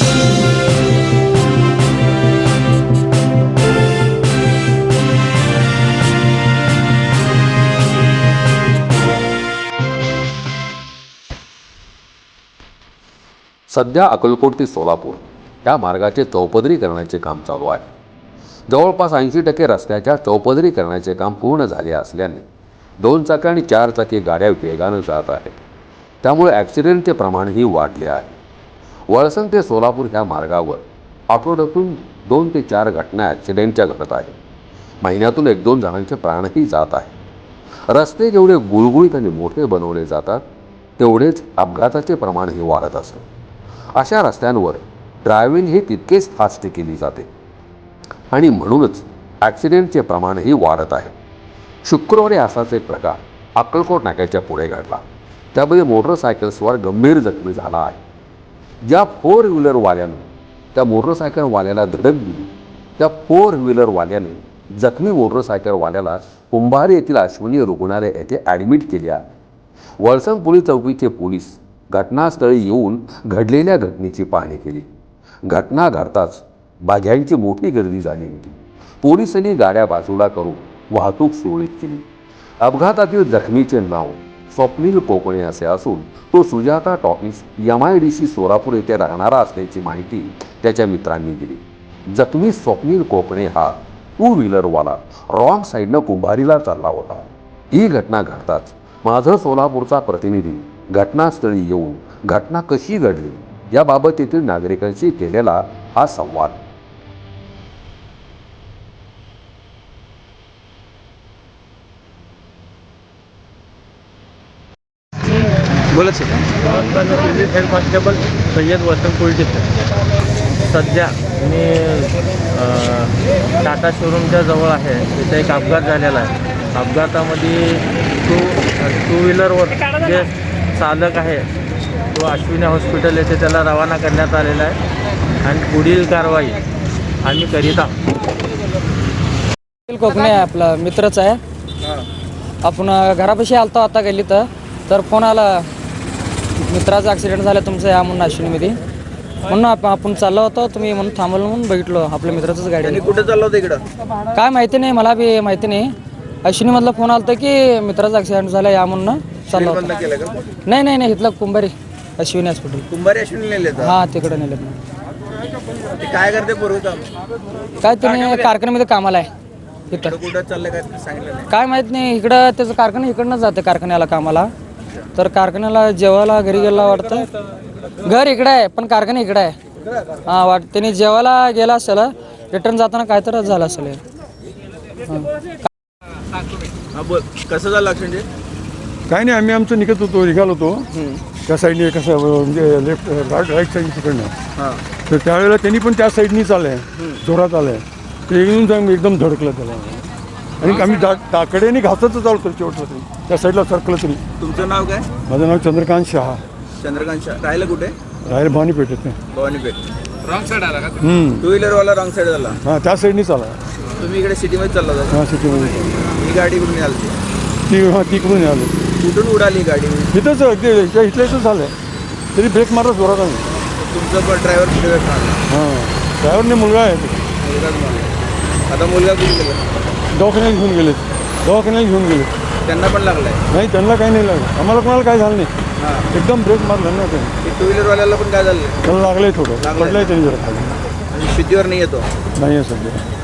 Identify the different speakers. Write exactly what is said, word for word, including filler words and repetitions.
Speaker 1: सध्या अक्कलकोट ते सोलापूर या मार्गाचे चौपदरीकरणाचे काम चालू आहे. जवळपास ऐंशी टक्के रस्त्याच्या चौपदरीकरणाचे काम पूर्ण झाले असल्याने दोन चाकी आणि चार चाकी गाड्या वेगाने जात आहेत. त्यामुळे ॲक्सिडेंटचे प्रमाणही वाढले आहे. वळसंग ते सोलापूर ह्या मार्गावर आठवड्यातून दोन ते चार घटना ॲक्सिडेंटच्या घडत आहेत. महिन्यातून एक दोन जणांचे प्राणही जात आहेत. रस्ते जेवढे गुळगुळीत आणि मोठे बनवले जातात तेवढेच अपघाताचे प्रमाणही वाढत असते. अशा रस्त्यांवर ड्रायव्हिंग ही तितकेच फास्ट केली जाते आणि म्हणूनच ॲक्सिडेंटचे प्रमाणही वाढत आहे. शुक्रवारी असाच एक प्रकार अक्कलकोट नाक्याच्या पुढे घडला. त्यामध्ये मोटरसायकल्सवर गंभीर जखमी झाला आहे. ज्या फोर व्हीलरवाल्यानं त्या मोटरसायकलवाल्याला धडक दिली त्या फोर व्हीलरवाल्याने जखमी मोटरसायकलवाल्याला कुंभारी येथील अश्विनी रुग्णालय येथे ॲडमिट केले आहे. वळसंग पोलीस चौकीचे पोलीस घटनास्थळी येऊन घडलेल्या घटनेची पाहणी केली. घटना घडताच बाघ्यांची मोठी गर्दी झाली होती. पोलिसांनी गाड्या बाजूला करून वाहतूक सुरळीत केली. अपघातातील जखमीचे नाव स्वप्नील कोकणे असे असून तो Sujata talkies M I D C Solapur येथे राहणारा असल्याची माहिती त्याच्या मित्रांनी दिली. जखमी स्वप्नील कोकणे हा टू व्हीलरवाला रॉंग साईडनं कुंभारीला चालला होता. ही घटना घडताच माझं सोलापूरचा प्रतिनिधी घटनास्थळी येऊन घटना कशी घडली याबाबत येथील नागरिकांशी केलेला हा संवाद.
Speaker 2: बोला sir. Head constable Sayyad Vasant police station. सध्या मी टाटा शोरूमच्या जवळ आहे. तिथे एक अपघात झालेला आहे. अपघातामध्ये टू टू व्हीलरवर जे चालक आहे तो अश्विनी हॉस्पिटल येथे त्याला रवाना करण्यात आलेला आहे आणि पुढील कारवाई आम्ही करीत आहोत.
Speaker 3: कोकणे आपला मित्रच आहे. आपण घरापाशी आलतो आता गेली तर तर फोन आला मित्राचा ॲक्सिडेंट झाला तुमचं या म्हणून अश्विनीमध्ये. म्हणून आपण आपण चाललो होतो तुम्ही म्हणून थांबवलं म्हणून बघितलो आपल्या मित्राचंच गाडी.
Speaker 2: आणि कुठे चाललो होतं इकडं
Speaker 3: काय माहिती नाही मला बी माहिती नाही. अश्विनीमधला फोन आला की मित्राचा ॲक्सिडेंट झाला या म्हणून चाललो होतो. नाही नाही नाही इथलं कुंभारी अश्विनी हॉस्पिटल.
Speaker 2: कुंभारी अश्विनी नेले
Speaker 3: हां तिकडे नेलं.
Speaker 2: काय करते पूर्वी काम
Speaker 3: काय तुम्ही कारखान्यामध्ये कामाला आहे इथं.
Speaker 2: कुठं चाललंय काय सांगितलं नाही.
Speaker 3: काय माहीत नाही. इकडं त्याचं कारखाना इकडनं जातं कारखान्याला कामाला. तर कारखान्याला जेवायला घरी गेला वाटतं. घर इकडं आहे पण कारखाना इकडं आहे. हां वाट त्याने जेवायला गेला असेल रिटर्न जाताना काय तर झालं असेल.
Speaker 2: हां बोल कसं झालं ॲक्सिडेंट.
Speaker 4: काय नाही आम्ही आमचं निघत होतो निघालो होतो त्या साईडने कसं म्हणजे लेफ्ट राईट साईड तिकडनं.
Speaker 2: हां
Speaker 4: तर त्यावेळेला त्यांनी पण त्या साईडनीच आलं आहे जोरात आलं आहे. ते एकदम एकदम धडकलं त्याला आणि आम्ही दा टाकड्याने घातच चालतो शेवटला तरी त्या साईडला सरकलं तरी.
Speaker 2: तुमचं नाव काय.
Speaker 4: माझं नाव चंद्रकांत शहा.
Speaker 2: चंद्रकांत शहा. राहिलं कुठे.
Speaker 4: राहायला भवानी पेठेत नाही.
Speaker 2: भवानीपेठ.
Speaker 5: रॉंग साईड आला का.
Speaker 2: टू व्हीलरवाला रॉंग साईड झाला.
Speaker 4: हां त्या साईडनीच आला.
Speaker 2: तुम्ही इकडे सिटीमध्ये चालला होता.
Speaker 4: हां सिटीमध्ये.
Speaker 2: ही गाडी कुठून आली
Speaker 4: ती हां तिकडून आलो.
Speaker 2: कुठून उडाली गाडी.
Speaker 4: इथंच अगदी इथल्या इथं झालं आहे तरी ब्रेक मारला जोरात आम्ही.
Speaker 2: तुमचं पण ड्रायव्हर कुठे भेटणार.
Speaker 4: हां ड्रायव्हरने मुलगा आहे
Speaker 2: मुलगाच मला. आता मुलगा कुठे गेला.
Speaker 4: दवाखान्यात घेऊन गेले दवाखान्यात घेऊन गेले.
Speaker 2: त्यांना पण लागलाय.
Speaker 4: नाही त्यांना काही नाही लागलं. आम्हाला कोणाला काही झालं नाही.
Speaker 2: हां
Speaker 4: एकदम ब्रेक मारला ना त्यांनी.
Speaker 2: टू व्हीलरवाल्याला पण काय झालं.
Speaker 4: त्याला लागलंय थोडं पडलंय त्यांनी जरा खाली.
Speaker 2: आणि शेतीवर नाही येतो.
Speaker 4: नाही आहे सध्या.